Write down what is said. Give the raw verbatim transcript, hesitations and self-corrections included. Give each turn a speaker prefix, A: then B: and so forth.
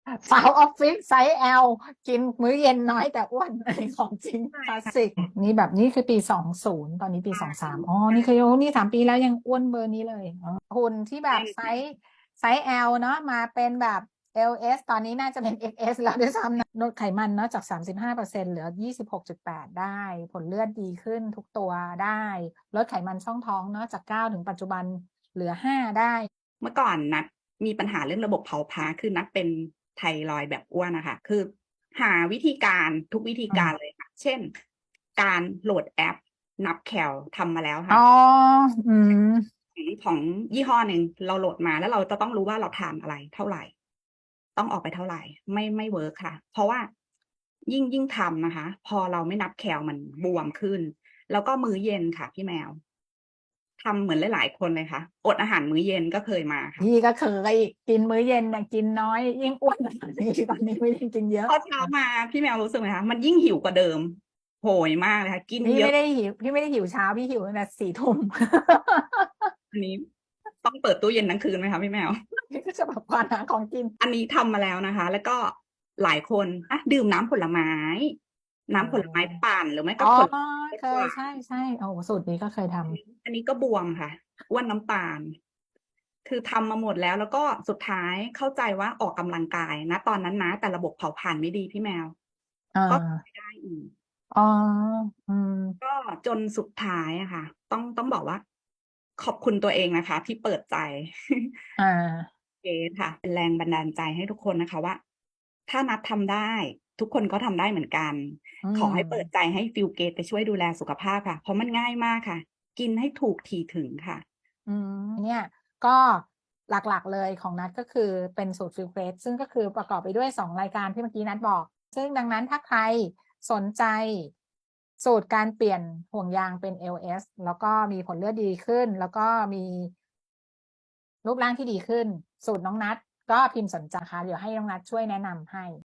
A: สาวออฟฟิศไซส์ L กินมื้อเย็นน้อยแต่อ้วนอันนี้ของจริง
B: ใช่
A: คลาส
B: ค่ะ
A: สิกนี่แบบนี้คือปีสองศูนย์ตอนนี้ปีสองสามอ๋อ
B: ใช่
A: นี่คือโอ้นี่สามปีแล้วยังอ้วนเบอร์นี้เลยอ๋อหุ่นที่แบบ
B: แน่น
A: ไซส์ไซส์ L เนาะมาเป็นแบบ แอล เอส ตอนนี้น่าจะเป็น เอ็กซ์ เอส แล้วด้วยซ้ำนะลดไขมันเนาะจาก สามสิบห้าเปอร์เซ็นต์ เหลือ ยี่สิบหกจุดแปด ได้ผลเลือดดีขึ้นทุกตัวได้ลดไขมันช่องท้องเนาะจากเก้าถึงปัจจุบันเหลือห้าได้
B: เมื่อก่อนนัดมีปัญหาเรื่องระบบเผาผลาญคือนัดเป็นไทรอยด์แบบอ้วนนะคะคือหาวิธีการทุกวิธีการเลยค่ะ เช่น การโหลดแอปนับแคลทำมาแล้ว
A: อ๋
B: ค่ะ
A: อ อืม
B: ของของยี่ห้อหนึ่งเราโหลดมาแล้วเราจะต้องรู้ว่าเราทานอะไรเท่าไหร่ ต้องออกไปเท่าไหร่ ไม่ไม่เวิร์คค่ะ เพราะว่ายิ่งยิ่งทำนะคะ พอเราไม่นับแคลมันบวมขึ้น แล้วก็มื้อเย็นค่ะพี่แมวทำเหมือนหลายๆคนเลยค่ะอดอาหารมื้อเย็นก็เคยมาค่ะ
A: พี่ก็เคยกินมื้อเย็นน่ะกินน้อยยิ่งอ้วนตอนนี้ตอนนี้ไม่ได้กินเยอะ
B: พอเช้ามาพี่แมวรู้สึกไหมคะมันยิ่งหิวกว่าเดิมโหยมากเลยค่ะกิน
A: พี่
B: เยอะ
A: ไม่ได้หิวพี่ไม่ได้หิวเช้าพี่หิวตั้งแต่สี่ทุ่ม
B: อันนี้ต้องเปิดตู้เย็นทั้งคืนไหมคะพี่แมว
A: พี่ก็จะแบบควานหาของกิน
B: อันนี้ทำมาแล้วนะคะ แล้วก็หลายคนอ่ะดื่มน้ำผลไม้น้ำผลไม้ปั่นหรือไม่
A: อ๋อ
B: ก็ผลไม้
A: เคย
B: หวาน
A: ใช่ใช่โอ้สูตรนี้ก็เคยทำ
B: อันนี้ก็บวมค่ะอ้วนน้ำตาลคือทำมาหมดแล้วแล้วก็สุดท้ายเข้าใจว่าออกกำลังกายนะตอนนั้นนะแต่ระบบเผาผลาญไม่ดีพี่แมว
A: อ่
B: ก็ไม่
A: า
B: ได้อีก
A: อ๋ออืม
B: ก็จนสุดท้ายอะค่ะต้องต้องบอกว่าขอบคุณตัวเองนะคะที่เปิดใจ
A: อ่า
B: เกรค่ะเป็นแรงบันดาลใจให้ทุกคนนะคะว่าถ้านัดทำได้ทุกคนก็ทำได้เหมือนกัน
A: อื
B: ขอให้เปิด
A: ม
B: ใจให้ฟิลเกตไปช่วยดูแลสุขภาพค่ะเพราะมันง่ายมากค่ะ กินให้ถูกถี่ถึงค่ะ
A: อืมเนี่ยก็หลักๆเลยของนัดก็คือเป็นสูตรฟิลเกรดซึ่งก็คือประกอบไปด้วยสองรายการที่เมื่อกี้นัดบอกซึ่งดังนั้นถ้าใครสนใจสูตรการเปลี่ยนห่วงยางเป็น แอล เอส แล้วก็มีผลเลือดดีขึ้นแล้วก็มีรูปร่างที่ดีขึ้นสูตรน้องนัดก็พิมพ์สนใจค่ะเดี๋ยวให้น้องนัดช่วยแนะนำให้